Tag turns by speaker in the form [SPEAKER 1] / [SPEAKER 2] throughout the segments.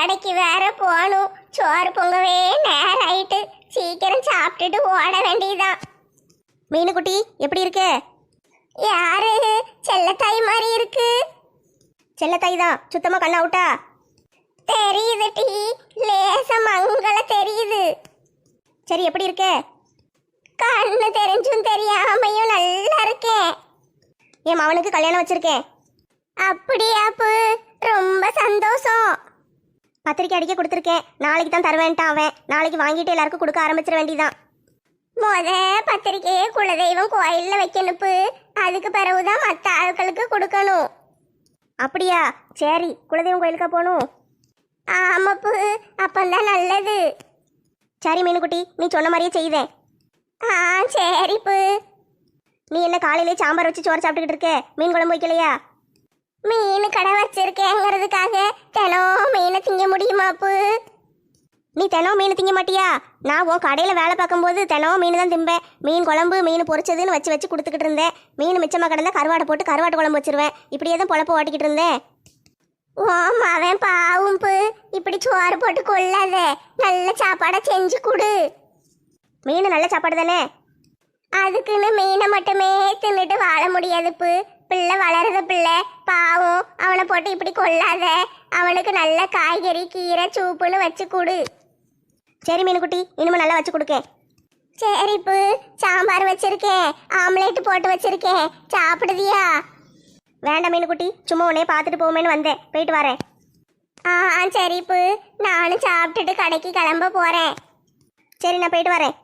[SPEAKER 1] கடைக்கு வேற போகணும். சோறு பொங்கவே நேரம் ஆயிட்டு. சீக்கிரம் சாப்பிட்டுட்டு ஓட வேண்டியதான்.
[SPEAKER 2] மீனுக்குட்டி எப்படி இருக்க?
[SPEAKER 1] யாரு? செல்லத்தாய் மாதிரி இருக்கு.
[SPEAKER 2] செல்லத்தாய் தான். சுத்தமா கண்ண அவுட்டா?
[SPEAKER 1] தெரியுது டி, லேச மங்கள தெரியுது.
[SPEAKER 2] சரி, எப்படி இருக்க?
[SPEAKER 1] கண்ணு தெரிஞ்சும் தெரியாமையும் நல்லா இருக்கேன்.
[SPEAKER 2] என் மவனுக்கு கல்யாணம் வச்சிருக்கேன்.
[SPEAKER 1] அப்படியாப்பு? ரொம்ப சந்தோஷம்.
[SPEAKER 2] பத்திரிக்கை அடிக்க கொடுத்துருக்கேன். நாளைக்கு தான் தருவேன்ட்டான் அவன். நாளைக்கு வாங்கிட்டு எல்லாருக்கும் கொடுக்க ஆரம்பிச்சிட வேண்டியதான்.
[SPEAKER 1] பத்திரிக்கையே குலதெய்வம் கோயில்ல வைக்கணுப்பு. அதுக்கு பிறகுதான் மற்ற ஆட்களுக்கு கொடுக்கணும்.
[SPEAKER 2] அப்படியா? சரி, குலதெய்வம் கோயிலுக்கா போகணும்?
[SPEAKER 1] ஆமாப்பு, அப்பந்தான் நல்லது.
[SPEAKER 2] சரி மீனுக்குட்டி, நீ சொன்ன மாதிரியே செய்தேன்.
[SPEAKER 1] சரிப்பு.
[SPEAKER 2] நீ என்ன காலையிலே சாம்பார் வச்சு சோறு சாப்பிட்டுக்கிட்டு இருக்க? மீன் குழம்பு வைக்கலையா?
[SPEAKER 1] மீன் கடை வச்சிருக்கேங்கிறதுக்காக தினம் மீனை திங்க முடியுமாப்பு?
[SPEAKER 2] நீ தினம் மீன் திங்க மாட்டியா? நான் உன் கடையில் வேலை பார்க்கும்போது தினம் மீன் தான் திம்பேன். மீன் குழம்பு, மீன் பொரிச்சதுன்னு வச்சு வச்சு கொடுத்துக்கிட்டு இருந்தேன். மீன் மிச்சமாக கிடந்தா கருவாடை போட்டு கருவாட்டு குழம்பு வச்சிருவேன். இப்படியே தான் பொழப்பு ஓட்டிக்கிட்டு இருந்தேன்.
[SPEAKER 1] அவன் பாவும்பு, இப்படி சோறு போட்டு கொள்ளாத. நல்ல சாப்பாடை செஞ்சு கொடு.
[SPEAKER 2] மீன் நல்ல சாப்பாடு தானே?
[SPEAKER 1] அதுக்குன்னு மீனை மட்டுமே தின்னுட்டு வாழ முடியாதுப்பு. பிள்ளை வளருத பிள்ளை பாவம், அவனை போட்டு இப்படி கொள்ளாத. அவனுக்கு நல்ல காய்கறி, கீரை, சூப்புன்னு வச்சு கொடு.
[SPEAKER 2] சரி மீனுக்குட்டி, இனிமே நல்லா வச்சு கொடுக்கேன்.
[SPEAKER 1] சரிப்பு. சாம்பார் வச்சிருக்கேன், ஆம்லேட் போட்டு வச்சிருக்கேன். சாப்பிடுதியா?
[SPEAKER 2] வேண்டாம் மீனுக்குட்டி, சும்மா உன்னே பார்த்துட்டு போவேன்னு வந்தேன். போயிட்டு வரேன்.
[SPEAKER 1] சரிப்பு. நானும் சாப்பிட்டுட்டு கடைக்கு கிளம்ப போறேன்.
[SPEAKER 2] சரி, நான் போயிட்டு வரேன்.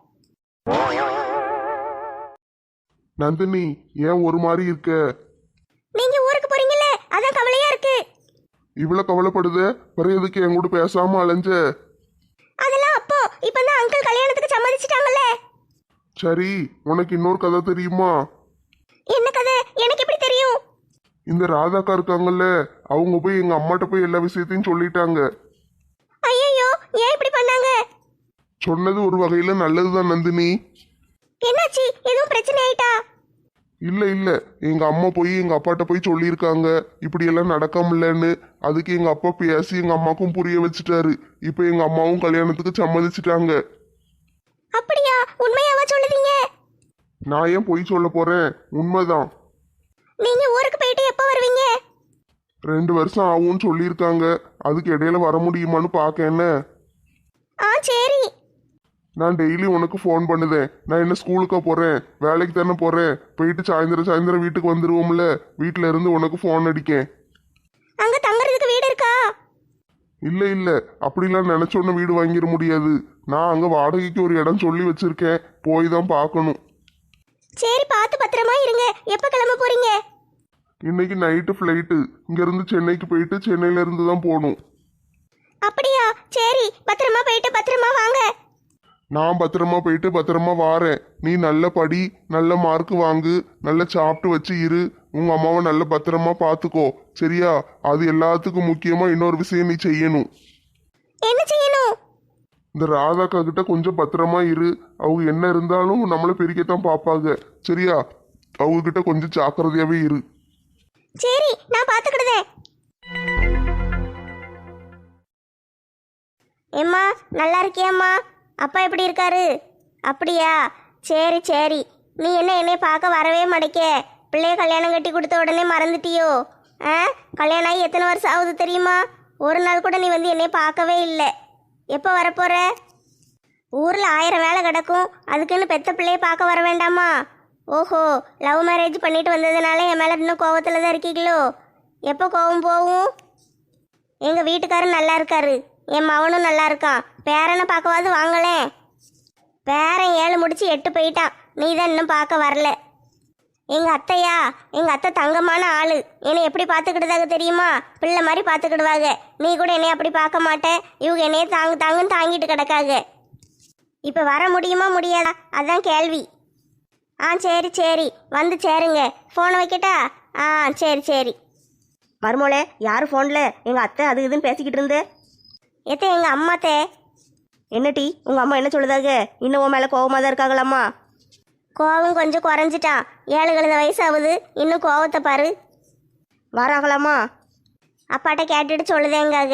[SPEAKER 3] நந்தினி, ஏன் ஒரு மாதிரி இருக்க?
[SPEAKER 2] நீங்க ஊருக்கு போறீங்கல்ல, அதான் கவலையா இருக்கு.
[SPEAKER 3] இவ்வளவு கவலைப்படுத? பிறகு எதுக்கு என் கூட பேசாம அலைஞ்ச?
[SPEAKER 2] அதெல்லாம் அப்போ, இப்பதான் அங்கிள் கல்யாணத்துக்கு சம்மதிச்சிட்டாங்கல்ல.
[SPEAKER 3] சரி, உனக்கு இன்னொரு கதை தெரியுமா?
[SPEAKER 2] என்ன கதை? எனக்கு எப்படி தெரியும்?
[SPEAKER 3] இந்த ராதாக்கா இருக்காங்கல்ல, அவங்க போய் எங்க அம்மாட்ட போய் எல்லா விஷயத்தையும் சொல்லிட்டாங்க.
[SPEAKER 2] ஐயோ, ஏன் இப்படி பண்ணாங்க?
[SPEAKER 3] சொன்னது ஒரு வகையில நல்லதுதான் நந்தினி.
[SPEAKER 2] என்னாச்சு? எதுவும் பிரச்சனை ஆயிட்டா?
[SPEAKER 3] இல்ல இல்ல, எங்க அம்மா போய் எங்க அப்பாட்ட போய் சொல்லியிருக்காங்க இப்படி எல்லாம் நடக்காமலன்னு. அதுக்கு எங்க அப்பா பேசி எங்க அம்மாக்கும் புரிய வச்சுட்டாரு. இப்ப எங்க அம்மாவும் கல்யாணத்துக்கு சம்மதிச்சிட்டாங்க.
[SPEAKER 2] அப்படியா? உண்மையாவா சொல்லுவீங்க?
[SPEAKER 3] நான் ஏன் பொய் சொல்ல போறேன்? உண்மைதான்.
[SPEAKER 2] நீங்க ஊருக்கு போயிட்டு எப்போ வருவீங்க?
[SPEAKER 3] 2 வருஷம் ஆகும்னு சொல்லியிருக்காங்க. அதுக்கு இடையில வர முடியுமான்னு பார்க்க. என்ன?
[SPEAKER 2] சரி.
[SPEAKER 3] நான் டெய்லி உனக்கு ஃபோன் பண்ணுதேன். நான் என்ன ஸ்கூலுக்கா போறேன்? வேலைக்கு தானே போறேன். போயிட்டு சாயந்தரம் வீட்டுக்கு வந்துருவோம்ல. வீட்டுல இருந்து உனக்கு ஃபோன் அடிக்கேன்.
[SPEAKER 2] அங்க தங்கறதுக்கு வீடு இருக்கா?
[SPEAKER 3] இல்ல இல்ல, அப்படிலாம் நினைச்சோன்னு வீடு வாங்கிட முடியாது. நான் அங்க வாடகைக்கு ஒரு இடம் சொல்லி வச்சிருக்கேன். போய் தான் பார்க்கணும்.
[SPEAKER 2] சரி, பார்த்து பத்திரமா இருங்க. எப்ப கிளம்ப போறீங்க?
[SPEAKER 3] இன்னைக்கு நைட்டு ஃப்ளைட்டு. இங்க இருந்து சென்னைக்கு போயிட்டு சென்னையில இருந்து தான் போகணும்.
[SPEAKER 2] அப்படியா? சரி, பத்திரமா போயிட்டு பத்திரமா வாங்க.
[SPEAKER 3] நான் பத்திரமா போயிட்டு பத்திரமா வாரேன். நீ நல்ல படி, நல்ல மார்க் வாங்கு, நல்ல சாப்பிட்டு வச்சு இரு. உங்க அம்மாவை நல்ல பத்திரமா பார்த்துக்கோ, சரியா? அது எல்லாத்துக்கும் முக்கியமா இன்னொரு விஷயம் நீ செய்யணும்.
[SPEAKER 2] என்ன செய்யணும்?
[SPEAKER 3] இந்த ராதாக்கா கிட்ட கொஞ்சம் பத்திரமா இரு. அவங்க என்ன இருந்தாலும் நம்மளை பிரிக்கத்தான் பார்ப்பாங்க, சரியா? அவங்க கிட்ட கொஞ்சம் ஜாக்கிரதையாவே இரு.
[SPEAKER 2] சரி, நான் பார்த்துக்கிடுதேன். ஏம்மா, நல்லா இருக்கியாம்மா? அப்பா எப்படி இருக்காரு? அப்படியா? சரி சரி. நீ என்ன என்னை பார்க்க வரவே மாட்டேக்க? பிள்ளைய கல்யாணம் கட்டி கொடுத்த உடனே மறந்துட்டியோ? கல்யாணம் ஆகி எத்தனை வருஷம் ஆகுது தெரியுமா? ஒரு நாள் கூட நீ வந்து என்னை பார்க்கவே இல்லை. எப்போ வரப்போற? ஊரில் 1000 வேலை கிடக்கும். அதுக்குன்னு பெத்த பிள்ளைய பார்க்க வர வேண்டாமா? ஓஹோ, லவ் மேரேஜ் பண்ணிட்டு வந்ததுனால என் மேலே இன்னும் கோவத்தில் தான் இருக்கீங்களோ? எப்போ கோவம் போகும்? எங்கள் வீட்டுக்காரரும் நல்லா இருக்காரு, என் மவனும் நல்லா இருக்கான். பேரனை பார்க்கவாது வாங்களேன். பேரன் 7 முடிச்சு 8 போயிட்டான். நீ தான் இன்னும் பார்க்க வரல. எங்கள் அத்தையா, எங்கள் அத்தை தங்கமான ஆள். என்னை எப்படி பார்த்துக்கிட்டதாக தெரியுமா? பிள்ளை மாதிரி பார்த்துக்கிடுவாங்க. நீ கூட என்னை அப்படி பார்க்க மாட்டேன். இவங்க என்னைய தாங்குன்னு தாங்கிட்டு கிடக்காங்க. இப்போ வர முடியுமா முடியாதா? அதான் கேள்வி. சரி சரி, வந்து சேருங்க. ஃபோனை வைக்கட்டா? சரி சரி.
[SPEAKER 4] மருமோளே, யார் ஃபோனில்? எங்கள் அத்தை அது இதுன்னு பேசிக்கிட்டு இருந்து.
[SPEAKER 2] எத்த எங்கள் அம்மாத்தே.
[SPEAKER 4] என்ன டீ, உங்கள் அம்மா என்ன சொல்லுதாக? இன்னும் உன் மேலே கோவமாக தான் இருக்காங்களாம்மா?
[SPEAKER 2] கோவம் கொஞ்சம் குறைஞ்சிட்டான். 7 கழுத வயசாகுது, இன்னும் கோவத்தை பாரு.
[SPEAKER 4] வராங்களாம்மா?
[SPEAKER 2] அப்பாட்ட கேட்டுட்டு சொல்லுதேங்காக.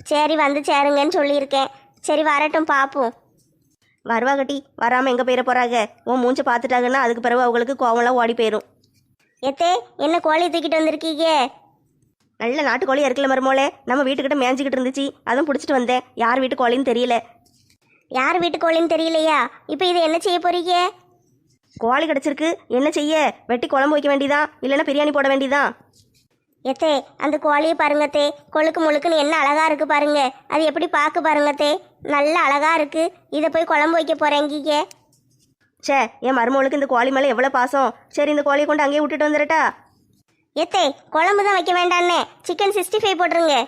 [SPEAKER 2] சரி வந்து சேருங்கன்னு சொல்லியிருக்கேன். சரி வரட்டும் பார்ப்போம்.
[SPEAKER 4] வருவாகட்டி, வராமல் எங்கே போயிட போகிறாங்க? உன் மூஞ்ச பார்த்துட்டாங்கன்னா அதுக்கு பிறகு அவங்களுக்கு கோவம்லாம் ஓடி போயிடும்.
[SPEAKER 2] எத்தே என்ன கோழியை தூக்கிட்டு வந்திருக்கீங்க?
[SPEAKER 4] நல்ல நாட்டுக்கோழியாக இருக்கல மருமோளே, நம்ம வீட்டுக்கிட்ட மேய்ஞ்சிக்கிட்டு இருந்துச்சு, அதுவும் பிடிச்சிட்டு வந்தேன். யார் வீட்டு கோழின்னு தெரியல.
[SPEAKER 2] யார் வீட்டு கோழின்னு தெரியலையா? இப்போ இதை என்ன செய்ய போறீங்க?
[SPEAKER 4] கோழி கிடச்சிருக்கு, என்ன செய்ய? வெட்டி குழம்பு வைக்க வேண்டியதான், இல்லைன்னா பிரியாணி போட வேண்டியதான்.
[SPEAKER 2] எத்தே அந்த கோழியை பாருங்கத்தே, கொழுக்கு முழுக்குன்னு என்ன அழகா இருக்கு பாருங்க. அது எப்படி பார்க்க பாருங்கத்தே, நல்ல அழகா இருக்கு. இதை போய் குழம்பு வைக்க போறேங்கீங்க.
[SPEAKER 4] சே, என் மருமகளுக்கு இந்த கோழி மேலே எவ்வளோ பாசம். சரி, இந்த கோழியை கொண்டு அங்கேயே விட்டுட்டு வந்துடட்டா?
[SPEAKER 2] எத்தே குழம்பு தான் வைக்க வேண்டான்னே, சிக்கன் 65 போட்டுருங்க.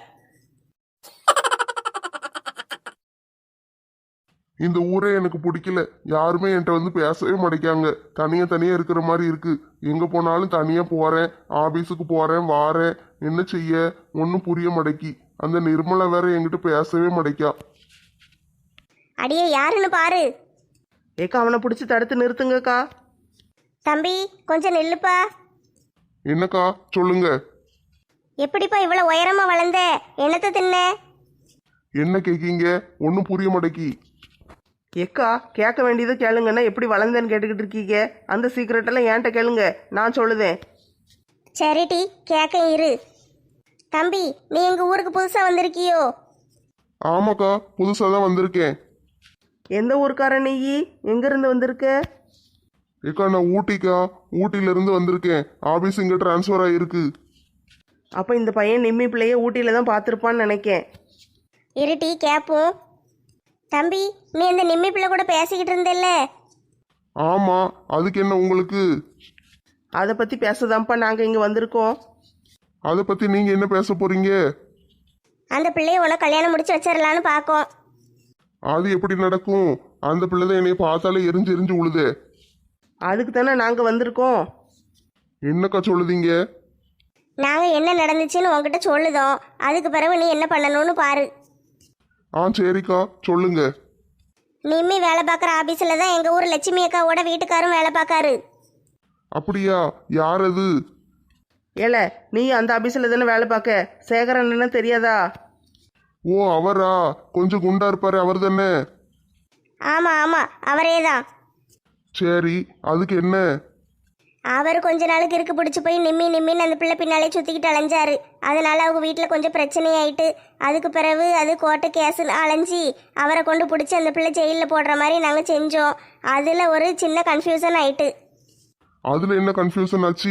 [SPEAKER 3] இந்த ஊரே எனக்கு பிடிக்கல. யாருமே என்கிட்ட வந்து பேசவே மாட்டேங்காங்க. தனியா தனியா இருக்கிற மாதிரி இருக்கு. எங்க போனாலும் தனியா போறேன், ஆபீஸுக்கு போறேன், வாரேன். என்ன செய்ய ஒன்றும் புரிய மாட்டேக்கி. அந்த நிர்மலா வேற என்கிட்ட பேசவே மாட்டேக்கா.
[SPEAKER 2] அடியே யாருன்னு பாரு.
[SPEAKER 5] ஏக்கா அவனை பிடிச்சி தடுத்து நிறுத்துங்கக்கா.
[SPEAKER 2] தம்பி கொஞ்சம் நில்லுப்பா.
[SPEAKER 3] என்னக்கா சொல்லுங்க.
[SPEAKER 2] எப்படிப்பா இவ்வளோ உயரமா வளர்ந்த? என்னத்தை தின்ன?
[SPEAKER 3] என்ன கேக்கீங்க? ஒன்றும் புரிய மாட்டேக்கி.
[SPEAKER 5] ஏக்கா கேட்க வேண்டியதை கேளுங்கன்னா எப்படி வளர்ந்தேன்னு கேட்டுக்கிட்டு இருக்கீங்க? அந்த சீக்கிரட்டெல்லாம் ஏன்ட்ட கேளுங்க, நான் சொல்லுதேன்.
[SPEAKER 2] சரிட்டி கேட்க இரு. தம்பி நீ எங்க ஊருக்கு புதுசா வந்திருக்கியோ?
[SPEAKER 3] ஆமாக்கா, புதுசாக தான் வந்திருக்கேன்.
[SPEAKER 5] எந்த ஊருக்கார நீ? எங்கேருந்து வந்திருக்க?
[SPEAKER 3] ஏக்கா நான் ஊட்டிக்கா, ஊட்டியிலேருந்து வந்திருக்கேன். ஆபீஸ் இங்கே ட்ரான்ஸ்ஃபர் ஆகிருக்கு.
[SPEAKER 5] அப்போ இந்த பையன் நிம்மி பிள்ளைய ஊட்டியில் தான் பார்த்துருப்பான்னு நினைக்கேன்.
[SPEAKER 2] இருட்டி கேட்போம். தம்பி நீ அந்த நிம்மி பிள்ளை கூட பேசிக்கிட்டு இருந்தல்ல?
[SPEAKER 3] ஆமாம், அதுக்கு என்ன உங்களுக்கு?
[SPEAKER 5] அதை பற்றி பேசதான்ப்பா நாங்கள் இங்கே வந்திருக்கோம்.
[SPEAKER 3] அதை பற்றி நீங்கள் என்ன பேச போகிறீங்க?
[SPEAKER 2] அந்த பிள்ளைய உனக்கு கல்யாணம் முடிச்சு வச்சிடலான்னு பார்க்கோம்.
[SPEAKER 3] அது எப்படி நடக்கும்? அந்த பிள்ளை தான் என்னைய பார்த்தாலே எரிஞ்சு எரிஞ்சு உழுதே.
[SPEAKER 5] அதுக்கு தானே நாங்கள் வந்திருக்கோம்.
[SPEAKER 3] என்னக்கா சொல்லுதீங்க?
[SPEAKER 2] நாங்கள் என்ன நடந்துச்சுன்னு உன்கிட்ட சொல்லுதோம். அதுக்கு பிறகு நீ என்ன பண்ணணும்னு பாரு.
[SPEAKER 3] ஆ சரிக்கா சொல்லுங்க.
[SPEAKER 2] நிம்மி வேலை பார்க்குற ஆபீஸில் தான் எங்கள் ஊர் லட்சுமி அக்காவோட வீட்டுக்காரும் வேலை பார்க்காரு.
[SPEAKER 3] அப்படியா? யார் அது?
[SPEAKER 5] ஏல நீ அந்த ஆபீஸில் தானே வேலை பார்க்க? சேகரன்னு தெரியாதா?
[SPEAKER 3] ஓ அவரா? கொஞ்சம் குண்டா இருப்பாரு, அவர் தானே?
[SPEAKER 2] ஆமாம் ஆமாம் அவரே தான்.
[SPEAKER 3] சரி, அதுக்கு என்ன?
[SPEAKER 2] அவர் கொஞ்ச நாளுக்கு இருக்கு பிடிச்சி போய் நிம்மின்னு அந்த பிள்ளை பின்னாலே சுற்றிக்கிட்டு அலைஞ்சாரு. அதனால அவங்க வீட்டில் கொஞ்சம் பிரச்சனையாயிட்டு அதுக்கு பிறகு அது கோர்ட்டு கேஸுன்னு அலைஞ்சி அவரை கொண்டு பிடிச்சி அந்த பிள்ளை ஜெயிலில் போடுற மாதிரி நாங்கள் செஞ்சோம். அதில் ஒரு சின்ன கன்ஃபியூசன் ஆயிட்டு.
[SPEAKER 3] அதுல என்ன கன்ஃபியூஷன் ஆச்சு?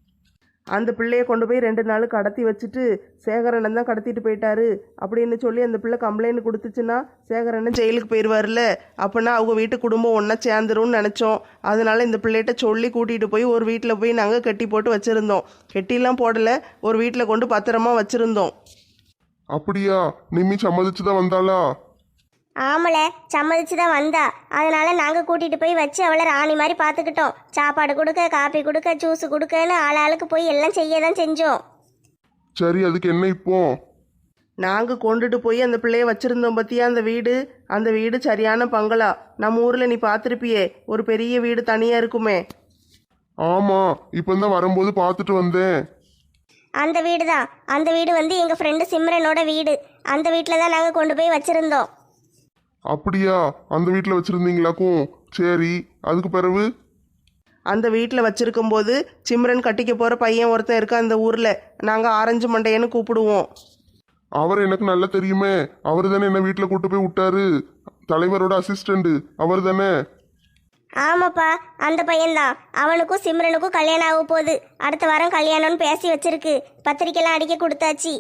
[SPEAKER 5] அந்த பிள்ளையை கொண்டு போய் 2 நாள் கடத்தி வச்சுட்டு சேகரண்ணன் தான் கடத்திட்டு போயிட்டாரு அப்படின்னு சொல்லி அந்த பிள்ளை கம்ப்ளைண்ட் கொடுத்துச்சுன்னா சேகரண்ணன் ஜெயிலுக்கு போயிடுவார்ல. அப்போனா அவங்க வீட்டு குடும்பம் ஒன்றா சேர்ந்துரும்னு நினச்சோம். அதனால இந்த பிள்ளைகிட்ட சொல்லி கூட்டிகிட்டு போய் ஒரு வீட்டில் போய் நாங்கள் கட்டி போட்டு வச்சுருந்தோம். கெட்டிலாம் போடலை, ஒரு வீட்டில் கொண்டு பத்திரமா வச்சுருந்தோம்.
[SPEAKER 3] அப்படியா? நிம்மி சம்மதிச்சு தான் வந்தாளா?
[SPEAKER 2] ஆமல சம்மதிச்சு தான் வந்தா. அதனால நாங்கள் கூட்டிகிட்டு போய் வச்சு அவளை ராணி மாதிரி பார்த்துக்கிட்டோம். சாப்பாடு கொடுக்க, காப்பி கொடுக்க, ஜூஸ் கொடுக்கன்னு ஆளாளுக்கு போய் எல்லாம் செய்ய தான் செஞ்சோம்.
[SPEAKER 3] சரி, அதுக்கு என்ன இப்போ?
[SPEAKER 5] நாங்கள் கொண்டுட்டு போய் அந்த பிள்ளைய வச்சுருந்தோம் பற்றியா அந்த வீடு சரியான பங்களா. நம்ம ஊரில் நீ பார்த்துருப்பியே, ஒரு பெரிய வீடு தனியாக இருக்குமே.
[SPEAKER 3] ஆமா, இப்பந்தான் வரும்போது பார்த்துட்டு வந்தேன்.
[SPEAKER 2] அந்த வீடு தான். அந்த வீடு வந்து எங்கள் ஃப்ரெண்டு சிம்ரனோட வீடு. அந்த வீட்டில் தான் நாங்கள் கொண்டு போய் வச்சுருந்தோம்.
[SPEAKER 3] அப்படியா? அந்த வீட்டில் வச்சிருந்தீங்களாக்கும். சரி, அதுக்கு பிறகு?
[SPEAKER 5] அந்த வீட்டில் வச்சுருக்கும்போது சிம்ரன் கட்டிக்க போகிற பையன் ஒருத்தன் இருக்கா அந்த ஊரில். நாங்கள் ஆரஞ்சு மண்டையன்னு கூப்பிடுவோம்.
[SPEAKER 3] அவர் எனக்கு நல்லா தெரியுமே. அவர் தானே என்ன வீட்டில் கூட்டு போய் விட்டாரு. தலைவரோட அசிஸ்டண்ட் அவர் தானே?
[SPEAKER 2] ஆமாப்பா அந்த பையன்தான். அவனுக்கும் சிம்ரனுக்கும் கல்யாணம் ஆக போகுது. அடுத்த வாரம் கல்யாணம்னு பேசி வச்சிருக்கு. பத்திரிக்கைலாம் அடிக்க கொடுத்தாச்சு.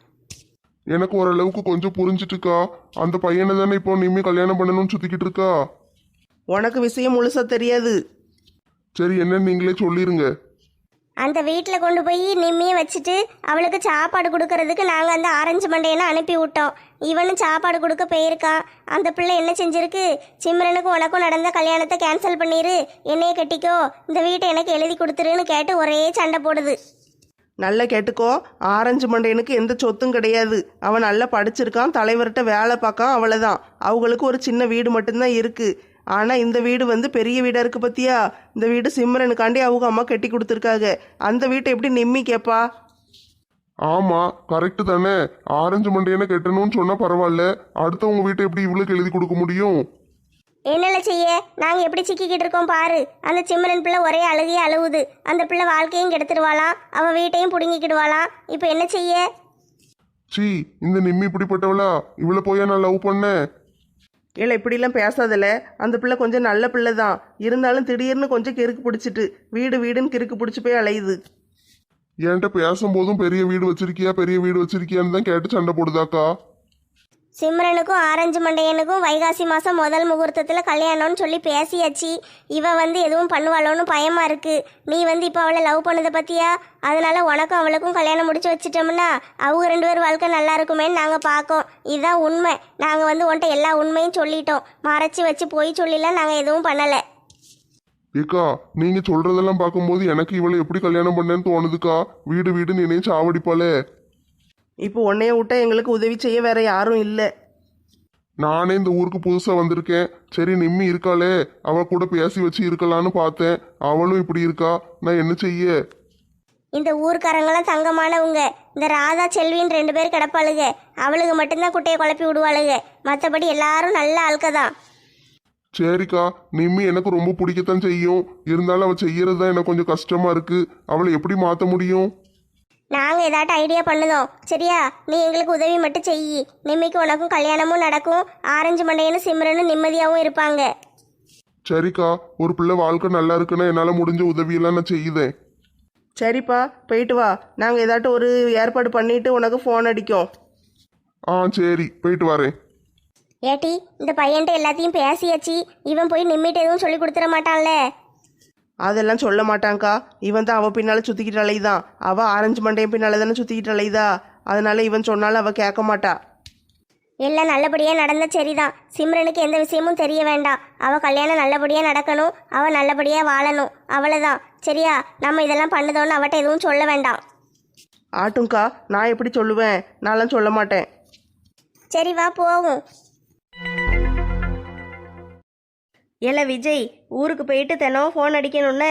[SPEAKER 3] எனக்கு ஓரளவுக்கு கொஞ்சம் புரிஞ்சிட்டுக்கா. அந்த பையனை தானே இப்போ நிம்மி கல்யாணம் பண்ணணும்னு சுத்திக்கிட்டு இருக்கா.
[SPEAKER 5] உனக்கு விஷயம் முழுசாக தெரியாது.
[SPEAKER 3] சரி, என்னன்னு நீங்களே சொல்லிருங்க.
[SPEAKER 2] அந்த வீட்டில் கொண்டு போய் நிம்மியை வச்சுட்டு அவளுக்கு சாப்பாடு கொடுக்கறதுக்கு நாங்கள் அந்த ஆரஞ்சு மண்டையனை அனுப்பி விட்டோம். இவனும் சாப்பாடு கொடுக்க போயிருக்கான். அந்த பிள்ளை என்ன செஞ்சிருக்கு? சிம்ரனுக்கும் உனக்கும் நடந்த கல்யாணத்தை கேன்சல் பண்ணிடு, என்னைய கட்டிக்கோ, இந்த வீட்டை எனக்கு எழுதி கொடுத்துருன்னு கேட்டு ஒரே சண்டை போடுது.
[SPEAKER 5] நல்லா கேட்டுக்கோ, ஆரஞ்சு மண்டையனுக்கு எந்த சொத்தும் கிடையாது. அவன் நல்லா படிச்சிருக்கான், தலைவர்கிட்ட வேலை பார்க்கான், அவ்வளோதான். அவங்களுக்கு ஒரு சின்ன வீடு மட்டும்தான் இருக்குது. ஆனால் இந்த வீடு வந்து பெரிய வீடாக இருக்குது பற்றியா? இந்த வீடு சிம்ரனுக்காண்டி அவங்க அம்மா கட்டி கொடுத்துருக்காங்க. அந்த வீட்டை எப்படி நிம்மி கேட்பா?
[SPEAKER 3] ஆமா கரெக்டு தானே. ஆரஞ்சு மண்டையனை கெட்டணும்னு சொன்னா பரவாயில்ல, அடுத்தவங்க வீட்டை எப்படி இவளுக்கு எழுதி கொடுக்க முடியும்?
[SPEAKER 2] என்னல செய்ய, நாங்க எப்படி சிக்கிக்கிட்டு இருக்கோம் பாரு. அந்த சிம்ரன் பிள்ளை ஒரே அழுகையே அழுவுது. அந்த பிள்ளை வாழ்க்கையும் கெடுத்துருவாளாம், அவ வீட்டையும் புடுங்கிக்கிடுவாளாம். இப்போ என்ன செய்ய?
[SPEAKER 3] சீ, இந்த நிம்மி இப்படிப்பட்டவளா? இவளை போயா நான் லவ் பண்ணேன்?
[SPEAKER 5] இல்லை இப்படிலாம் பேசாதல. அந்த பிள்ளை கொஞ்சம் நல்ல பிள்ளை தான், இருந்தாலும் திடீர்னு கொஞ்சம் கிறுக்கு பிடிச்சிட்டு வீடு வீடுன்னு கிறுக்கு பிடிச்சி போய் அலையுது.
[SPEAKER 3] என்கிட்ட பேசும்போதும் பெரிய வீடு வச்சிருக்கியா பெரிய வீடு வச்சிருக்கியான்னு தான் கேட்டு சண்டை போடுதாக்கா.
[SPEAKER 2] சிம்ரனுக்கும் ஆரஞ்சு மண்டையனுக்கும் வைகாசி மாதம் முதல் முகூர்த்தத்தில் கல்யாணம்னு சொல்லி பேசியாச்சு. இவ எதுவும் பண்ணுவாளோன்னு பயமா இருக்கு. நீ இப்போ அவளை லவ் பண்ணதை பத்தியா? அதனால உனக்கும் அவளுக்கும் கல்யாணம் முடிச்சு வச்சிட்டோம்னா அவங்க 2 பேர் வாழ்க்கை நல்லா இருக்குமேன்னு நாங்கள் பார்க்கோம். இதுதான் உண்மை. நாங்கள் உன்ட்ட எல்லா உண்மையும் சொல்லிட்டோம். மறைச்சி வச்சு போய் சொல்லிலாம் நாங்கள் எதுவும் பண்ணலை.
[SPEAKER 3] ஏக்கா, நீங்க சொல்றதெல்லாம் பார்க்கும்போது எனக்கு இவளை எப்படி கல்யாணம் பண்ணேன்னு தோணுதுக்கா. வீடு வீடுன்னு என்னையும் சாவடிப்பாளே.
[SPEAKER 5] இப்போ உன்னைய விட்டா எங்களுக்கு உதவி செய்ய வேற யாரும் இல்லை.
[SPEAKER 3] நானே இந்த ஊருக்கு புதுசா வந்திருக்கேன். சரி நிம்மி இருக்காளே, அவ கூட பேசி வச்சு இருக்கலான்னு பார்த்தேன். அவளும் இப்படி இருக்கா, நான் என்ன செய்ய?
[SPEAKER 2] இந்த ஊர்க்காரங்களாம் தங்கமானவங்க. இந்த ராதா செல்வின்னு 2 பேர் கிடப்பாளுங்க. அவளுக்கு மட்டும்தான் குட்டையை குழப்பி விடுவாளுங்க. மற்றபடி எல்லாரும் நல்ல ஆட்க தான்.
[SPEAKER 3] சரிக்கா, நிம்மி எனக்கு ரொம்ப பிடிக்கத்தான் செய்யும். இருந்தாலும் அவள் செய்யறது தான் எனக்கு கொஞ்சம் கஷ்டமா இருக்கு. அவளை எப்படி மாற்ற முடியும்?
[SPEAKER 2] நாங்கள் ஏதாட்டும் ஐடியா பண்ணுதோம். சரியா, நீ எங்களுக்கு உதவி மட்டும் செய். நிம்மிக்கு உனக்கும் கல்யாணமும் நடக்கும். ஆரஞ்சு மண்டையனும் சிம்ரனும் நிம்மதியாகவும் இருப்பாங்க.
[SPEAKER 3] சரிக்கா, ஒரு பிள்ளை வாழ்க்கை நல்லா இருக்குன்னா என்னால் முடிஞ்ச உதவியெல்லாம் நான் செய்யுதேன்.
[SPEAKER 5] சரிப்பா, போயிட்டு வா. நாங்கள் ஏதாட்டும் ஒரு ஏற்பாடு பண்ணிட்டு உனக்கு ஃபோன் அடிக்கோம்.
[SPEAKER 3] சரி, போயிட்டு வரேன்.
[SPEAKER 2] ஏட்டி, இந்த பையன்ட்ட எல்லாத்தையும் பேசியாச்சு. இவன் போய் நிம்மிட்டு எதுவும் சொல்லி கொடுத்துட மாட்டான்ல?
[SPEAKER 5] அதெல்லாம் சொல்ல மாட்டாங்க்கா. இவன் தான் அவள் பின்னால் சுற்றிக்கிட்டு அலையுதான். அவள் ஆரஞ்சு மண்டையன் பின்னால் தானே சுற்றிக்கிட்டு அலையுதா. அதனால இவன் சொன்னாலும் அவள் கேட்க மாட்டா.
[SPEAKER 2] எல்லாம் நல்லபடியாக நடந்த சரிதான். சிம்ரனுக்கு எந்த விஷயமும் தெரிய வேண்டாம். அவள் கல்யாணம் நல்லபடியாக நடக்கணும், அவள் நல்லபடியாக வாழணும், அவ்வளோதான். சரியா, நம்ம இதெல்லாம் பண்ணுதோன்னு அவட்ட எதுவும் சொல்ல வேண்டாம்.
[SPEAKER 5] ஆட்டும்க்கா, நான் எப்படி சொல்லுவேன்? நான்லாம் சொல்ல மாட்டேன்.
[SPEAKER 2] சரி வா போவோம்.
[SPEAKER 4] ஏல விஜய், ஊருக்கு போயிட்டு தினம் ஃபோன் அடிக்கணும்னு.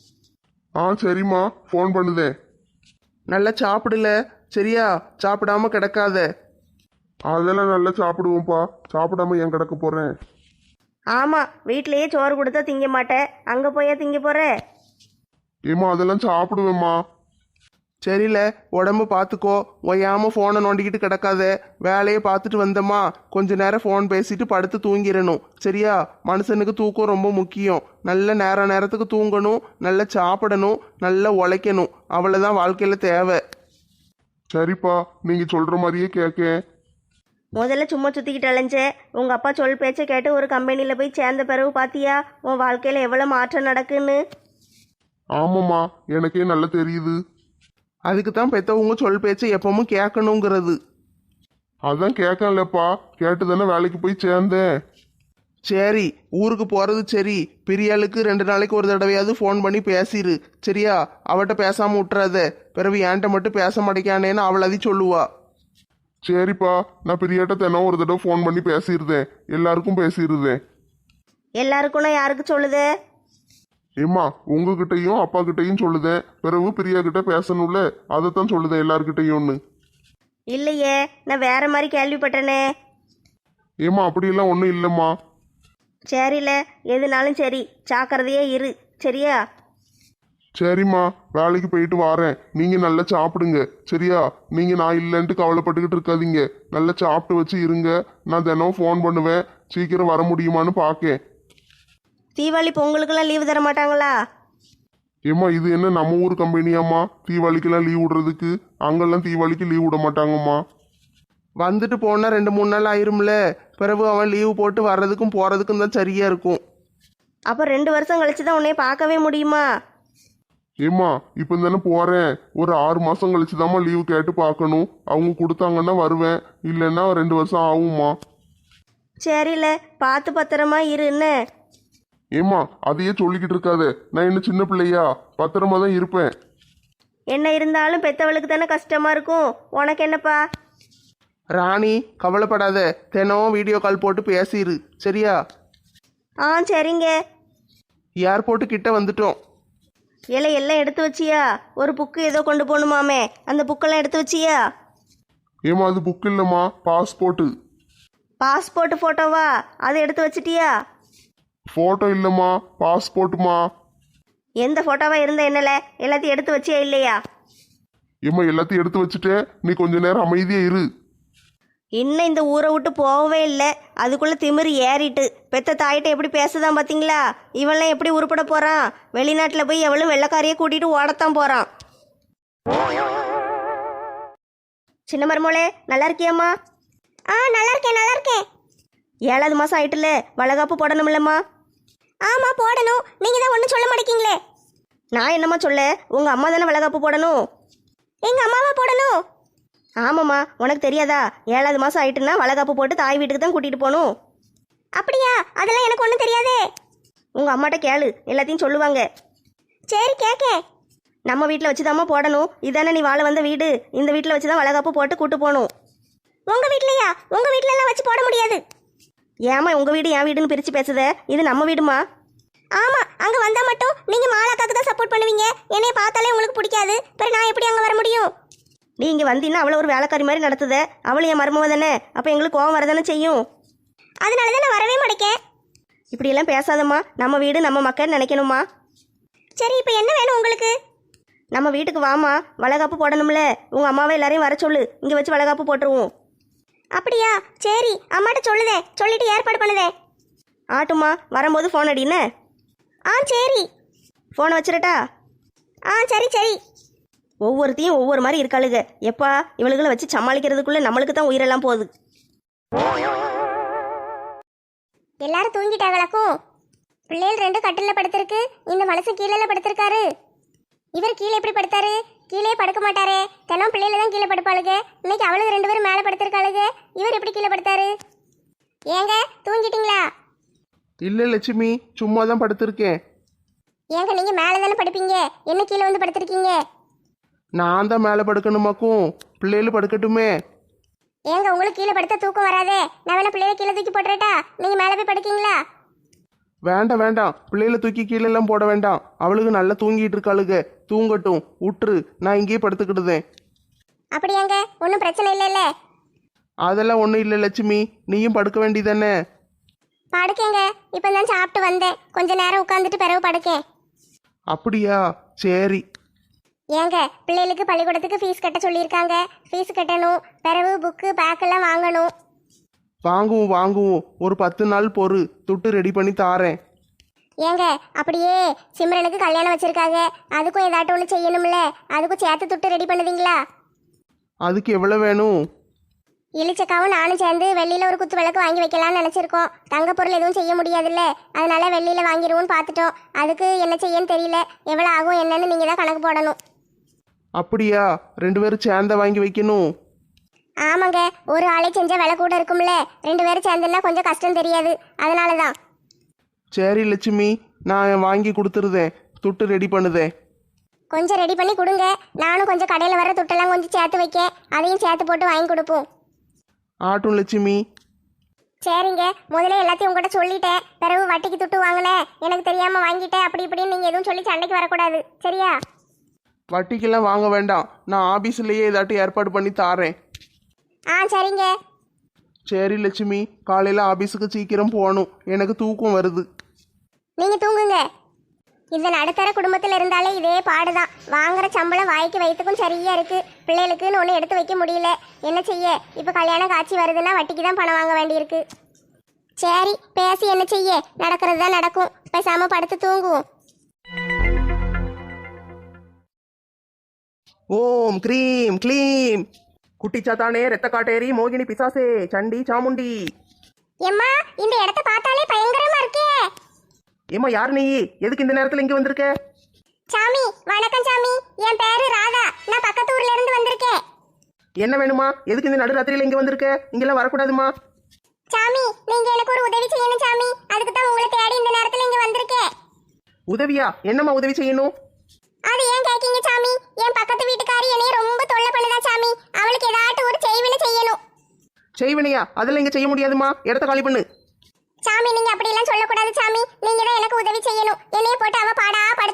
[SPEAKER 3] சரிம்மா, ஃபோன் பண்ணுதேன்.
[SPEAKER 5] நல்லா சாப்பிடல, சரியா? சாப்பிடாம கிடக்காத.
[SPEAKER 3] அதெல்லாம் நல்லா சாப்பிடுவோம்ப்பா. சாப்பிடாம ஏன் கிடக்க போறேன்?
[SPEAKER 4] ஆமாம், வீட்டிலேயே சோறு கொடுத்தா திங்க மாட்டேன், அங்கே போயா திங்க போகிற?
[SPEAKER 3] ஏம்மா அதெல்லாம் சாப்பிடுவேம்மா.
[SPEAKER 5] சரியில்ல, உடம்பு பார்த்துக்கோ. ஒய்யாமல் ஃபோனை நோண்டிக்கிட்டு கிடக்காத. வேலையை பார்த்துட்டு வந்தோமா கொஞ்ச நேரம் ஃபோன் பேசிட்டு படுத்து தூங்கிடணும். சரியா? மனுஷனுக்கு தூக்கம் ரொம்ப முக்கியம். நல்ல நேரத்துக்கு தூங்கணும், நல்லா சாப்பிடணும், நல்லா உழைக்கணும். அவ்வளோதான் வாழ்க்கையில் தேவை.
[SPEAKER 3] சரிப்பா, நீங்க சொல்ற மாதிரியே கேட்கேன்.
[SPEAKER 4] முதல்ல சும்மா சுற்றிக்கிட்டு அலைஞ்சேன். உங்கள் அப்பா சொல் பேச்சை கேட்டு ஒரு கம்பெனியில் போய் சேர்ந்த பிறகு பார்த்தியா உன் வாழ்க்கையில் எவ்வளோ மாற்றம் நடக்குன்னு?
[SPEAKER 3] ஆமாம்மா, எனக்கே நல்லா தெரியுது.
[SPEAKER 5] அதுக்கு தான் பெற்றவங்க சொல் பேச்சை எப்பவும் கேட்கணுங்கிறது.
[SPEAKER 3] அதான் கேட்கலப்பா, கேட்டு தானே வேலைக்கு போய் சேர்ந்தேன்.
[SPEAKER 5] சரி, ஊருக்கு போகிறது சரி. பிரியாளுக்கு 2 நாளைக்கு ஒரு தடவையாவது ஃபோன் பண்ணி பேசிடு. சரியா? அவட்ட பேசாமல் விட்டுறாத. பிறகு என்கிட்ட மட்டும் பேச மாட்டேக்கானேன்னு அவள் அதி சொல்லுவா.
[SPEAKER 3] சரிப்பா, நான் பிரியாட்ட தினம் ஒரு தடவை ஃபோன் பண்ணி பேசிடுதேன். எல்லாருக்கும் பேசிடுதேன்.
[SPEAKER 4] எல்லாருக்குன்னா யாருக்கு சொல்லுதே?
[SPEAKER 3] ஏம்மா, உங்ககிட்டையும் அப்பா கிட்டையும் சொல்லுதேன். பிறகு பிரியா கிட்ட பேசணும்ல, அதைத்தான் சொல்லுதேன் எல்லார்கிட்டையும்னு.
[SPEAKER 4] இல்லையே, நான் வேற மாதிரி கேள்விப்பட்டேனே.
[SPEAKER 3] ஏம்மா அப்படியெல்லாம் ஒன்றும் இல்லைம்மா.
[SPEAKER 4] சரில, எதுனாலும் சரி, ஜாக்கிரதையே இரு. சரியா?
[SPEAKER 3] சரிம்மா, வேலைக்கு போயிட்டு வாரேன். நீங்கள் நல்லா சாப்பிடுங்க. சரியா? நீங்கள் நான் இல்லைன்ட்டு கவலைப்பட்டுக்கிட்டு இருக்காதீங்க. நல்லா சாப்பிட்டு வச்சு இருங்க. நான் தினம் ஃபோன் பண்ணுவேன். சீக்கிரம் வர முடியுமான்னு பார்க்கேன்.
[SPEAKER 4] தீபாவளி பொங்கலுக்கெல்லாம் லீவு தர மாட்டாங்களா?
[SPEAKER 3] ஏம்மா, இது என்ன நம்ம ஊர் கம்பெனியாம்மா தீபாவளிக்கெல்லாம் லீவ் விடுறதுக்கு? அங்கெல்லாம் தீபாவளிக்கு லீவ் விட மாட்டாங்கம்மா.
[SPEAKER 5] வந்துட்டு போனால் 2-3 நாள் ஆயிரும்ல. பிறகு அவன் லீவு போட்டு வர்றதுக்கும் போகிறதுக்கும் தான் சரியாக இருக்கும்.
[SPEAKER 4] அப்போ 2 வருஷம் கழிச்சு தான் உன்னை பார்க்கவே முடியுமா?
[SPEAKER 3] ஏம்மா, இப்போ தானே போகிறேன். ஒரு 6 மாதம் கழிச்சு தாம்மா லீவு கேட்டு பார்க்கணும். அவங்க கொடுத்தாங்கன்னா வருவேன், இல்லைன்னா 2 வருஷம் ஆகும்மா.
[SPEAKER 4] சரில, பார்த்து பத்திரமா இரு. என்ன?
[SPEAKER 3] ஏம்மா, அதையே சொல்லிக்கிட்டு இருக்காத. நான் இன்னும் சின்ன பிள்ளையா? பத்திரமா தான் இருப்பேன்.
[SPEAKER 4] என்ன இருந்தாலும் பெத்தவளுக்கு தானே கஷ்டமா இருக்கும். உனக்கு என்னப்பா?
[SPEAKER 5] ராணி, கவலைப்படாத. தினம் வீடியோ கால் போட்டு பேசிடு. சரியா?
[SPEAKER 4] சரிங்க.
[SPEAKER 5] ஏர்போர்ட்டு கிட்ட வந்துட்டோம்.
[SPEAKER 4] இலை எல்லாம் எடுத்து வச்சியா? ஒரு புக்கு ஏதோ கொண்டு போகணுமாமே, அந்த புக்கெல்லாம் எடுத்து வச்சியா?
[SPEAKER 3] ஏமா அது புக் இல்லைம்மா, பாஸ்போர்ட்டு.
[SPEAKER 4] பாஸ்போர்ட் ஃபோட்டோவா? அதை எடுத்து வச்சிட்டியா?
[SPEAKER 3] ஃபோட்டோ இல்லைம்மா, பாஸ்போர்ட்டுமா.
[SPEAKER 4] எந்த ஃபோட்டோவா இருந்த என்னல, எல்லாத்தையும் எடுத்து வச்சியா இல்லையா?
[SPEAKER 3] ஏம்மா எல்லாத்தையும் எடுத்து வச்சுட்டே, நீ கொஞ்ச நேரம் அமைதியா இரு.
[SPEAKER 4] இன்னும் இந்த ஊரை விட்டு போகவே இல்லை, அதுக்குள்ளே திமிரு ஏறிட்டு பெத்த தாயிட்ட எப்படி பேசுதான் பார்த்தீங்களா? இவன்லாம் எப்படி உருப்பட போகிறான்? வெளிநாட்டில் போய் எவளும் வெள்ளைக்காரியை கூட்டிகிட்டு ஓடத்தான் போகிறான். சின்ன மருமோளே, நல்லா இருக்கியாம்மா?
[SPEAKER 1] நல்லா இருக்கேன் நல்லா இருக்கேன்.
[SPEAKER 4] 7வது மாதம் ஆயிட்டுல, வளகாப்பு போடணும்லம்மா?
[SPEAKER 1] ஆமா போடணும், நீங்க தான் ஒன்றும் சொல்ல மாட்டேங்கிங்களே.
[SPEAKER 4] நான் என்னம்மா சொல்ல, உங்கள் அம்மா தானே வளகாப்பு போடணும்.
[SPEAKER 1] எங்க அம்மாவா போடணும்?
[SPEAKER 4] ஆமாம்மா, உனக்கு தெரியாதா? 7வது மாதம் ஆயிட்டுன்னா வளகாப்பு போட்டு தாய் வீட்டுக்கு தான் கூட்டிகிட்டு போகணும்.
[SPEAKER 1] அப்படியா? அதெல்லாம் எனக்கு ஒன்றும் தெரியாதே.
[SPEAKER 4] உங்கள் அம்மாட்ட கேளு, எல்லாத்தையும் சொல்லுவாங்க.
[SPEAKER 1] சரி கேட்கேன்.
[SPEAKER 4] நம்ம வீட்டில் வச்சு தாம்மா போடணும். இதானே நீ வாழ வந்த வீடு, இந்த வீட்டில் வச்சு தான் வளகாப்பு போட்டு கூட்டு போகணும்.
[SPEAKER 1] உங்க வீட்லயா? உங்க வீட்ல எல்லாம் வச்சு போட முடியாது.
[SPEAKER 4] ஏமா உங்கள் வீடு என் வீடுன்னு பிரித்து பேசுத? இது நம்ம வீடுமா.
[SPEAKER 1] ஆமா, அங்க வந்தா மட்டும் நீங்க மாலாக்காக்கு தான் சப்போர்ட் பண்ணுவீங்க. என்னைய பார்த்தாலே உங்களுக்கு பிடிக்காது. பிறகு நான் எப்படி அங்க வர முடியும்?
[SPEAKER 4] நீ இங்கே வந்தீங்கன்னா அவளை ஒரு வேலைக்காரி மாதிரி நடத்துத. அவள் என் மருமவ தானே, அப்போ எங்களுக்கு கோவம் வரதானே செய்யும்.
[SPEAKER 1] அதனால தான் நான் வரவே மாட்டேன்.
[SPEAKER 4] இப்படியெல்லாம் பேசாதம்மா, நம்ம வீடு நம்ம மக்கள் நினைக்கணுமா.
[SPEAKER 1] சரி இப்போ என்ன வேணும் உங்களுக்கு?
[SPEAKER 4] நம்ம வீட்டுக்கு வாமா, வளகாப்பு போடணும்ல. உங்கள் அம்மாவை எல்லாரையும் வர சொல்லு, இங்கே வச்சு வளகாப்பு போட்டுருவோம்.
[SPEAKER 1] அப்படியா? சரி, அம்மாட்ட சொல்லுதே, சொல்லிட்டு ஏற்பாடு பண்ணுதே.
[SPEAKER 4] ஆட்டுமா, வரும்போது ஃபோன் அடின்னு.
[SPEAKER 1] சரி.
[SPEAKER 4] ஃபோனை வச்சிரட்டா?
[SPEAKER 1] சரி சரி.
[SPEAKER 4] ஒவ்வொருத்தையும் ஒவ்வொரு மாதிரி இருக்காளுங்க. எப்பா இவளுகளை வச்சு சமாளிக்கிறதுக்குள்ளே நம்மளுக்கு தான் உயிரெல்லாம் போகுது.
[SPEAKER 1] எல்லாரும் தூங்கிட்டாங்களாக்கும். பிள்ளைகள் 2 கட்டில படுத்திருக்கு. இந்த மனுஷன் கீழே படுத்திருக்காரு. இவர் கீழே எப்படி படுத்தாரு? கீழே படுக்க மாட்டாரே. தினம் பிள்ளைல தான் கீழே படுப்பாளுங்க. இன்னைக்கு அவளுக்கு 2 பேரும் மேலே படுத்திருக்காளுங்க. இவர் எப்படி கீழே படுத்தாரு? ஏங்க தூங்கிட்டீங்களா?
[SPEAKER 5] இல்லை லட்சுமி, சும்மா தான் படுத்திருக்கேன்.
[SPEAKER 1] ஏங்க நீங்க மேலே தானே படுப்பீங்க, என்ன கீழே வந்து படுத்திருக்கீங்க?
[SPEAKER 5] நான் தான் மேலே படுக்கணுமாக்கும், பிள்ளைகள் படுக்கட்டுமே.
[SPEAKER 1] ஏங்க உங்களுக்கு கீழே படுத்தா தூக்கம் வராதே. நான் வேணா பிள்ளைய கீழே தூக்கி போட்டுறட்டா? நீங்க மேலே போய் படுக்கீங்களா?
[SPEAKER 5] வேண்டாம் வேண்டாம், பிள்ளைகளை தூக்கி கீழெல்லாம் போட வேண்டாம். அவளுக்கு நல்லா தூங்கிட்டு இருக்காளுங்க, தூங்கட்டும், விட்டுரு. நான் இங்கேயே படுத்துக்கிடுதேன்.
[SPEAKER 1] அப்படியாங்க, ஒன்றும் பிரச்சனை இல்லைல்ல?
[SPEAKER 5] அதெல்லாம் ஒன்றும் இல்லை லட்சுமி, நீயும் படுக்க வேண்டியதானே.
[SPEAKER 1] படுக்கேங்க, இப்போ தான் சாப்பிட்டு வந்தேன். கொஞ்ச நேரம் உட்காந்துட்டு பிறகு படுக்கேன்.
[SPEAKER 5] அப்படியா? சரி.
[SPEAKER 1] ஏங்க பிள்ளைகளுக்கு பள்ளிக்கூடத்துக்கு ஃபீஸ் கட்ட சொல்லியிருக்காங்க. ஃபீஸ் கட்டணும், பிறகு புக்கு பேக்கெல்லாம் வாங்கணும்.
[SPEAKER 5] வாங்குவோம் வாங்குவோம், ஒரு 10 நாள் பொறு, துட்டு ரெடி பண்ணி தாரேன்.
[SPEAKER 1] ஏங்க அப்படியே சிம்ரனுக்கு கல்யாணம் வச்சிருக்காங்க, அதுக்கும் ஏதாட்டும் ஒன்று செய்யணும்ல, அதுக்கும் சேர்த்து துட்டு ரெடி பண்ணுவீங்களா?
[SPEAKER 5] அதுக்கு எவ்வளோ வேணும்?
[SPEAKER 1] இளிச்சக்காவும் நானும் சேர்ந்து வெள்ளியில் ஒரு குத்து விளக்கு வாங்கி வைக்கலாம்னு நினச்சிருக்கோம். தங்க பொருள் எதுவும் செய்ய முடியாதுல்ல, அதனால வெள்ளியில் வாங்கிடுவோன்னு பார்த்துட்டோம். அதுக்கு என்ன செய்யன்னு தெரியல. எவ்வளோ ஆகும் என்னன்னு நீங்கள் தான் கணக்கு போடணும்.
[SPEAKER 5] அப்படியா? 2 பேரும் சேர்ந்த வாங்கி வைக்கணும்.
[SPEAKER 1] ஆமாங்க, ஒரு ஆளே செஞ்சால் விலை கூட இருக்கும்ல. 2 பேரும் சேர்ந்துன்னா கொஞ்சம் கஷ்டம் தெரியாது, அதனால தான்.
[SPEAKER 5] சரி லட்சுமி, நான் வாங்கி கொடுத்துருதேன், துட்டு ரெடி பண்ணுதேன்.
[SPEAKER 1] கொஞ்சம் ரெடி பண்ணி கொடுங்க. நானும் கொஞ்சம் கடையில் வர துட்டெல்லாம் கொஞ்சம் சேர்த்து வைக்க, அதையும் சேர்த்து போட்டு வாங்கி கொடுப்போம்.
[SPEAKER 5] ஆட்டும் லட்சுமி.
[SPEAKER 1] சரிங்க, முதல்ல எல்லாத்தையும் உங்கள்கிட்ட சொல்லிட்டேன். பிறகு வட்டிக்கு துட்டு வாங்கினேன், எனக்கு தெரியாமல் வாங்கிட்டேன் அப்படி இப்படின்னு நீங்கள் எதுவும் சொல்லி சண்டைக்கு வரக்கூடாது, சரியா?
[SPEAKER 5] வட்டிக்கெல்லாம் வாங்க வேண்டாம், நான் ஆபீஸ்லயே ஏதாட்டும் ஏற்பாடு பண்ணி தாரேன்.
[SPEAKER 1] சரிங்க.
[SPEAKER 5] சரி லட்சுமி, காலையில் ஆபீஸுக்கு சீக்கிரம் போகணும், எனக்கு தூக்கம் வருது.
[SPEAKER 1] நீங்கள் தூங்குங்க. இந்த நடுத்தர குடும்பத்தில் இருந்தாலே இதே பாடுதான். வாங்குற சம்பளம் வாய்க்கு வயிற்றுக்கும் சரியா இருக்கு. பிள்ளைகளுக்குன்னு ஒன்று எடுத்து வைக்க முடியல. என்ன செய்ய? இப்போ கல்யாணம் காட்சி வருதுன்னா வட்டிக்கு தான் பணம் வாங்க வேண்டியிருக்கு. சரி, பேசி என்ன செய்ய? நடக்கிறது தான் நடக்கும். பேசாம படுத்து தூங்குவோம்.
[SPEAKER 5] ஓம் க்ரீம் க்ளீம். குட்டிச்சாத்தானே, ரெத்த காட்டேரி, மோகினி பிசாசே, சண்டி சாமுண்டி.
[SPEAKER 1] எம்மா, இந்த இடத்த பார்த்தாலே பயங்கரமா இருக்கே.
[SPEAKER 5] ஏம்மா யார் நீ? எதுக்கு இந்த நேரத்தில் இங்கே வந்திருக்க?
[SPEAKER 1] சாமி வணக்கம் சாமி, என் பேரு ராதா. நான் பக்கத்து ஊர்ல இருந்து வந்திருக்கேன்.
[SPEAKER 5] என்ன வேணுமா? எதுக்கு இந்த நடுராத்திரியில் இங்கே வந்திருக்க? இங்கெல்லாம் வரக்கூடாதுமா.
[SPEAKER 1] சாமி நீங்க எனக்கு ஒரு உதவி செய்யணும் சாமி, அதுக்கு தான் உங்களை தேடி இந்த நேரத்துல இங்க வந்திருக்கேன்.
[SPEAKER 5] உதவியா? என்னம்மா உதவி செய்யணும்?
[SPEAKER 1] அது ஏன் கேக்கீங்க சாமி? என் பக்கத்து வீட்டுக்காரி என்னைய ரொம்ப தொல்லை பண்ணுதா சாமி. அவளுக்கு ஏதாட்டும் ஒரு செய்வினை செய்யணும்.
[SPEAKER 5] செய்வனையா? அதெல்லாம் இங்கே செய்ய முடியாதுமா, இடத்த காலி பண்ணு.
[SPEAKER 1] சாமி நீங்க அப்படி எல்லாம் சொல்லக்கூடாது சாமி. நீங்க தான் எனக்கு உதவி செய்யணும். என்னைய போட்டு அவ பாடா படுத்துதா.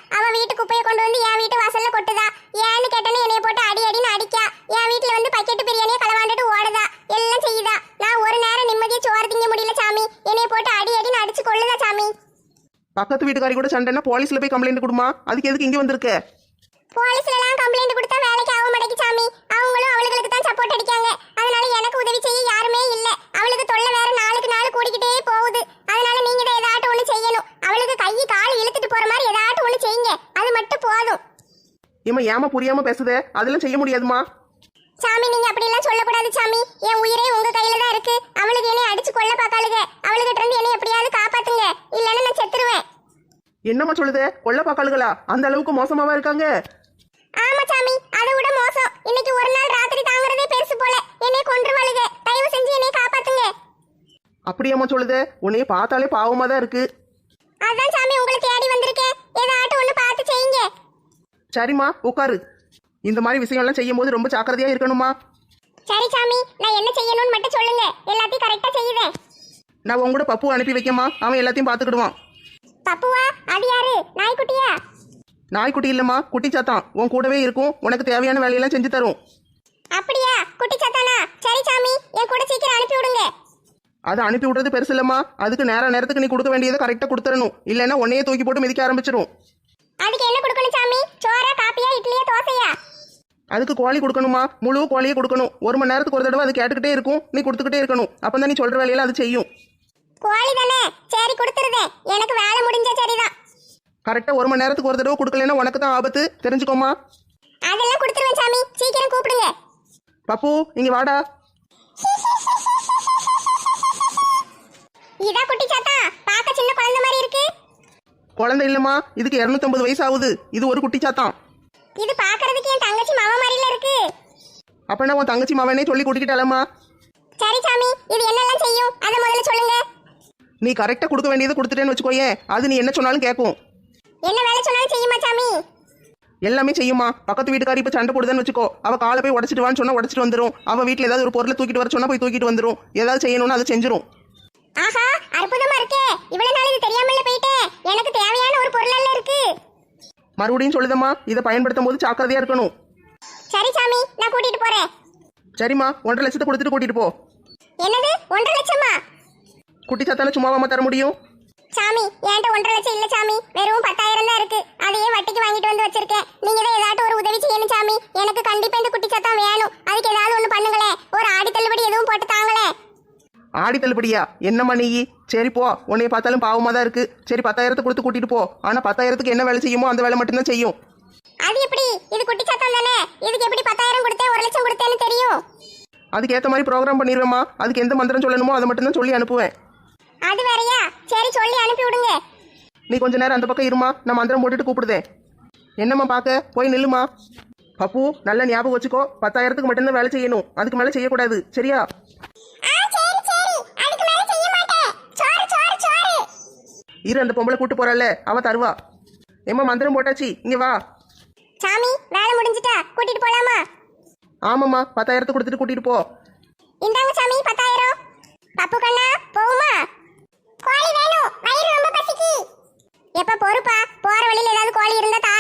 [SPEAKER 1] அவ வீட்டு குப்பையை கொண்டு வந்து என் வீட்டு வாசல்ல கொட்டுதா. ஏன்னு கேட்டேன்னு என்னைய போட்டு அடி அடின்னு அடிக்கா. என் வீட்டுல வந்து பக்கெட்டு பிரியாணியை களவாண்டுட்டு ஓடுதா. எல்லாம் செய்யுதா. நான் ஒரு நேரம் நிம்மதியா சோறு திங்க முடியல சாமி. என்னைய போட்டு அடி அடின்னு அடிச்சு கொள்ளுதா சாமி.
[SPEAKER 5] பக்கத்து வீட்டுக்காரி கூட சண்டைன்னா போலீஸ்ல போய் கம்ப்ளைண்ட் கொடுமா. அதுக்கு எதுக்கு இங்கே வந்திருக்க?
[SPEAKER 1] போலீஸ்ல எல்லாம் கம்ப்ளைண்ட் கொடுத்தா வேலைக்கு ஆக மாட்டேங்குது சாமி. அவங்களும் அவளுக்கு தான் சப்போர்ட் அடிக்காங்க. அதனால எனக்கு உதவி செய்ய யாருமே இல்ல. அவளுக்கு தொல்லை வேற நாளுக்கு நாள் கூடிக்கிட்டே போகுது. அதனால நீங்க தான் ஏதாட்டும் ஒண்ணு செய்யணும். அவளுக்கு கை கால் இழுத்துட்டு போற மாதிரி ஏதாட்டும் ஒண்ணு செய்யுங்க. அது மட்டும் போதும்.
[SPEAKER 5] ஏமா புரியாம பேசுதே, அதெல்லாம் செய்ய முடியாதுமா.
[SPEAKER 1] சாமி நீங்க அப்படி எல்லாம் சொல்லக்கூடாது சாமி. என் உயிரே உங்க கையில தான் இருக்கு. அவளுக்கு என்னை அடிச்சு கொல்ல பாக்காளுங்க. அவளுகிட்ட இருந்து என்னை எப்படியாவது காப்பாத்துங்க. இல்லைன்னா நான் செத்துருவேன்.
[SPEAKER 5] என்னம்மா சொல்லுதே, கொள்ள பாக்காளுகளா? அந்த அளவுக்கு மோசமாவா இருக்காங்க?
[SPEAKER 1] ஆமா சாமி, அதை விட மோசம். இன்னைக்கு ஒரு நாள் ராத்திரி தாங்குறதே பெருசு போல. என்னை கொன்றுவாளுங்க. தயவு செஞ்சு என்னை காப்பாத்துங்க.
[SPEAKER 5] அப்படியாம்மா சொல்லுதே, உன்னைய பார்த்தாலே பாவமா தான் இருக்கு.
[SPEAKER 1] அதான் சாமி உங்களை தேடி வந்திருக்கேன். ஏதாட்டும் ஒண்ணு பார்த்து செய்யுங்க.
[SPEAKER 5] சரிம்மா உட்காரு. இந்த மாதிரி விஷயம்லாம் செய்யும் போது ரொம்ப ஜாக்கிரதையா இருக்கணுமா.
[SPEAKER 1] சரி சாமி, நான் என்ன செய்யணும்னு மட்டும் சொல்லுங்க. எல்லாத்தையும் கரெக்டா செய்யுவேன்.
[SPEAKER 5] நான் உங்க கூட பப்பு அனுப்பி வைக்கமா, அவன் எல்லாத்தையும் பார்த்துக்கிடுவான்.
[SPEAKER 1] பப்புவா? அது யாரு? நாய்க்குட்டியா?
[SPEAKER 5] நாய்க்குட்டி இல்லம்மா, குட்டி சாத்தான். உன் கூடவே இருக்கும், உனக்கு தேவையான வேலையெல்லாம் செஞ்சு தரும்.
[SPEAKER 1] அப்படியா? குட்டி சத்தானா? சரி சாமி, என் கூட சீக்கிரம் அனுப்பி விடுங்க.
[SPEAKER 5] அதை அனுப்பி விடுறது பெருசு இல்லம்மா. அதுக்கு நேரத்துக்கு நீ கொடுக்க வேண்டியதை கரெக்டாக கொடுத்துடணும். இல்லைன்னா உன்னையே தூக்கி போட்டு மிதிக்க ஆரம்பிச்சிடும்.
[SPEAKER 1] அதுக்கு என்ன கொடுக்கணும் சாமி? சோறா, காப்பியா, இட்லியா, தோசையா?
[SPEAKER 5] அதுக்கு கோழி கொடுக்கணுமா, முழு கோழியை கொடுக்கணும். 1 மணி நேரத்துக்கு ஒரு தடவை அது கேட்டுக்கிட்டே இருக்கும், நீ கொடுத்துக்கிட்டே இருக்கணும். அப்பதான் நீ சொல்ற வேலையெல்லாம் அது செய்யும்.
[SPEAKER 1] கோழி தானே? சரி கொடுத்துருதேன். எனக்கு வேலை முடிஞ்சா சரிதான்.
[SPEAKER 5] கரெக்டா 1 மணி நேரத்துக்கு ஒரு தடவை கொடுக்கலன்னா உனக்கு தான் ஆபத்து, தெரிஞ்சுக்கோமா.
[SPEAKER 1] அதெல்லாம் கொடுத்துருவேன் சாமி. சீக்கிரம் கூப்பிடுங்க.
[SPEAKER 5] பப்பு இங்க வாடா.
[SPEAKER 1] இதா குட்டி சாத்தா? பார்க்க சின்ன குழந்தை மாதிரி இருக்கு.
[SPEAKER 5] குழந்தை இல்லம்மா, இதுக்கு 250 வயசு ஆகுது. இது ஒரு குட்டி சாத்தான்.
[SPEAKER 1] இது பார்க்கிறதுக்கு என் தங்கச்சி மாமா மாதிரில இருக்கு.
[SPEAKER 5] அப்பனா உன் தங்கச்சி மாவனே சொல்லி கூட்டிக்கிட்டாலம்மா.
[SPEAKER 1] சரி சாமி, இது என்னெல்லாம் செய்யும் அதை முதல்ல சொல்லுங்க.
[SPEAKER 5] நீ கரெக்டா கொடுக்க வேண்டியதை கொடுத்துட்டேன்னு வச்சுக்கோயேன், அது நீ என்ன சொன்னாலும் கேட்கும்.
[SPEAKER 1] என்ன வேலை சொன்னாலும் செய்யுமா சாமி?
[SPEAKER 5] எல்லாமே செய்யுமா. பக்கத்து வீட்டுக்காரி இப்ப சண்டை போடுதுன்னு வச்சுக்கோ, அவ காலை போய் உடச்சிட்டு வான்னு சொன்னா உடச்சிட்டு வந்துடும். அவ வீட்டுல ஏதாவது ஒரு பொருளை தூக்கிட்டு வர சொன்னா போய் தூக்கிட்டு வந்துடும். ஏதாவது செய்யணும்னு அதை செஞ்சிரும்.
[SPEAKER 1] ஆஹா, அற்புதமா இருக்கே. இவ்வளவு நாள் இது தெரியாமல போயிட்டேன். எனக்கு தேவையான ஒரு பொருள் இருக்கு.
[SPEAKER 5] மறுபடியும் சொல்லுதம்மா, இதை பயன்படுத்தும் போது ஜாக்கிரதையா இருக்கணும்.
[SPEAKER 1] சரி சாமி, நான் கூட்டிட்டு போறேன்.
[SPEAKER 5] சரிம்மா, 1.5 லட்சத்தை கொடுத்துட்டு கூட்டிட்டு போ.
[SPEAKER 1] என்னது 1.5 லட்சமா?
[SPEAKER 5] குட்டி சாத்தான சும்மாவாம தர முடியும்?
[SPEAKER 1] சாமி, என்கிட்ட 1.5 லட்சம் இல்ல சாமி. வெறும் 10,000 தான் இருக்கு. அதையே வட்டிக்கு வாங்கிட்டு வந்து வச்சிருக்கேன். நீங்க தான் ஏதாட்டும் ஒரு உதவி செய்யணும் சாமி. எனக்கு கண்டிப்பா இந்த குட்டி சத்தம் வேணும். அதுக்கு ஏதாவது ஒண்ணு பண்ணுங்களே. ஒரு ஆடி தள்ளுபடி எதுவும் போட்டு தாங்களே.
[SPEAKER 5] ஆடி தள்ளுபடியா? என்னம்மா நீ? சரி போ, உன்னைய பார்த்தாலும் பாவமா தான் இருக்கு. சரி 10,000 கொடுத்து கூட்டிட்டு போ. ஆனா 10,000க்கு என்ன வேலை செய்யுமோ அந்த வேலை மட்டும்தான் செய்யும்.
[SPEAKER 1] அது எப்படி? இது குட்டி சத்தம் தானே. இதுக்கு எப்படி 10,000 கொடுத்தேன் 1 லட்சம் கொடுத்தேன்னு தெரியும்?
[SPEAKER 5] அதுக்கு ஏத்த மாதிரி ப்ரோக்ராம் பண்ணிடுவேம்மா. அதுக்கு எந்த மந்திரம் சொல்லணுமோ அதை மட்டும் தான் சொல்லி அனுப்புவேன்.
[SPEAKER 1] அது வேறயா? சரி சொல்லி அனுப்பி விடுங்க.
[SPEAKER 5] நீ கொஞ்ச நேரம் அந்த பக்கம் இருமா, நான் மந்திரம் போட்டுட்டு கூப்பிடுதேன். என்னம்மா பார்க்க? போய் நில்லுமா. பப்பு நல்ல ஞாபகம் வச்சுக்கோ, 10,000க்கு மட்டும்தான் வேலை செய்யணும். அதுக்கு மேல செய்யக்கூடாது, சரியா? இரு, அந்த பொம்பளை கூட்டு போறாள், அவ தருவா. ஏம்மா மந்திரம் போட்டாச்சு, இங்க வா.
[SPEAKER 1] சாமி, வேலை முடிஞ்சிட்டா? கூட்டிட்டு போலாமா?
[SPEAKER 5] ஆமாம்மா, 10,000 கொடுத்துட்டு கூட்டிட்டு போ.
[SPEAKER 1] இந்தாங்க சாமி 10,000. பப்பு கண்ணா, போவுமா? கோழி வேணும். வயிறு ரொம்ப பசிக்கு. எப்ப பொறுப்பா? போற வழியில ஏதாவது கோழி இருந்தா